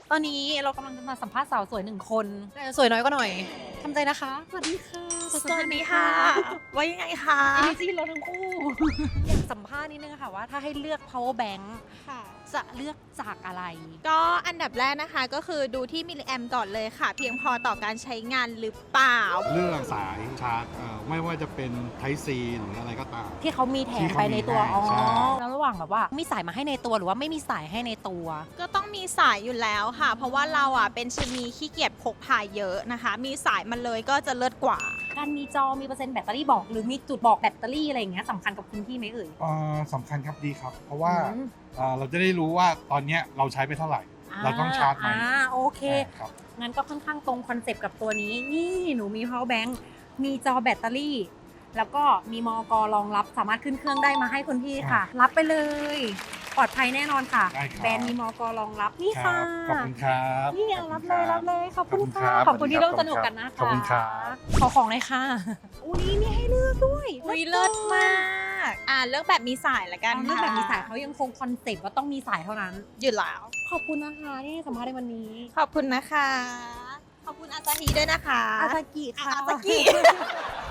ตอนนี้เรากำลังจะมาสัมภาษณ์สาวสวย1 คนแต่สวยน้อยก็หน่อยทำใจนะคะสวัสดีค่ะสวัสดีค่ะ ว่ายังไงคะอินดี้เราทั้งคู่ อยากสัมภาษณ์นิดนึงค่ะว่าถ้าให้เลือก power bank ค่ะจะเลือกจากอะไรก็อันดับแรกนะคะก็คือดูที่มิลลิแอมก่อนเลยค่ะ เพียงพอต่อการใช้งานหรือเปล่าเรื่องสายชาร์จไม่ว่าจะเป็น Type C หรืออะไรก็ตามที่เขามีแถมไปในตัวที่เขามีให้ใช่แล้วระหว่างแบบว่ามีสายมาให้ในตัวหรือว่าไม่มีสายให้ในตัวก็ต้องมีสายอยู่แล้วค่ะ เพราะว่าเราอ่ะเป็นชนีขี้เกียจพกพาเยอะนะคะ มีสายมาเลยก็จะเลิศกว่าการมีจอมีเปอร์เซ็นต์แบตเตอรี่บอกหรือมีจุดบอกแบตเตอรี่อะไรอย่างเงี้ยสำคัญกับคุณพี่ไหมเอ่ยสำคัญครับดีครับ เพราะว่าอืมเราจะได้รู้ว่าตอนเนี้ยเราใช้ไปเท่าไหร่ เราต้องชาร์จไหมโอเคครับงั้นก็ค่อนข้างตรงคอนเซปต์กับตัวนี้ นี่หนูมี power bank มีจอแบตเตอรี่ แล้วก็มีมอกรองรับสามารถขึ้นเครื่องได้มาให้คุณพี่ค่ะ รับไปเลย ปลอดภัยแน่นอนค่ะได้ครับแบรนด์มีมอกรองรับนี่ครัค่ะบขอบคุณครับนี่เอารับเลยรับเลยขอบคุณค่ะขขออบบ คุคุณ ณคที่รับร่วมสนุกกันนะคะขอบคุณครับขอของเลยค่ะอุ้ยมีให้เลือกด้วยอุ้ยเลิศมาก เลือกแบบมีสายละกันเรื่องค่ะแบบมีสายเขายังคงคอนเซปต์ว่าต้องมีสายเท่านั้นอยู่แล้วขอบคุณนะคะที่ให้สัมภาษณ์ในวันนี้ขอบคุณนะคะ ขอบคุณอาซาฮีด้วยนะคะอาซากิค่ะอาซากิ